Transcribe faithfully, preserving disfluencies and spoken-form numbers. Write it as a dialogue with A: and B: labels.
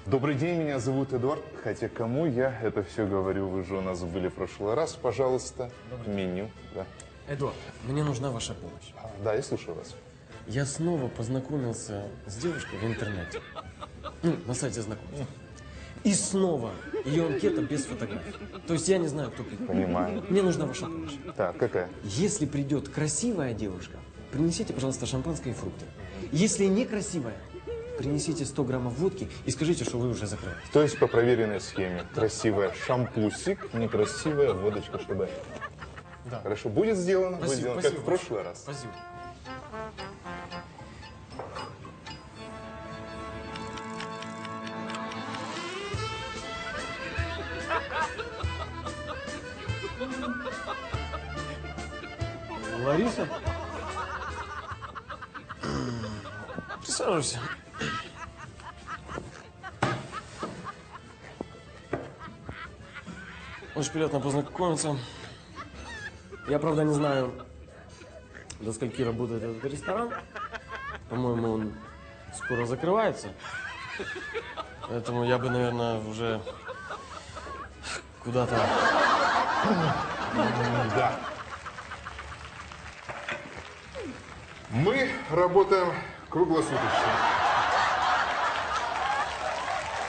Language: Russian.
A: Добрый день, меня зовут Эдуард. Хотя кому я это все говорю, вы же у нас были в прошлый раз. Пожалуйста, меню. Да.
B: Эдуард, мне нужна ваша помощь.
A: А, да, я слушаю вас.
B: Я снова познакомился с девушкой в интернете. Ну, на сайте знакомств. И снова ее анкета без фотографий. То есть я не знаю, кто придет.
A: Понимаю.
B: Мне нужна ваша помощь.
A: Так, какая?
B: Если придет красивая девушка, принесите, пожалуйста, шампанское и фрукты. Если некрасивая, принесите сто граммов водки и скажите, что вы уже закрываете.
A: То есть по проверенной схеме. Красивая шампусик, некрасивая водочка, чтобы...
B: Да.
A: Хорошо, будет сделано?
B: Спасибо,
A: будет сделано,
B: спасибо
A: как в прошлый раз.
B: Спасибо. Лариса? Присаживайся. Очень приятно познакомиться. Я, правда, не знаю, до скольки работает этот ресторан. По-моему, он скоро закрывается. Поэтому я бы, наверное, уже куда-то...
A: Да. Мы работаем круглосуточно.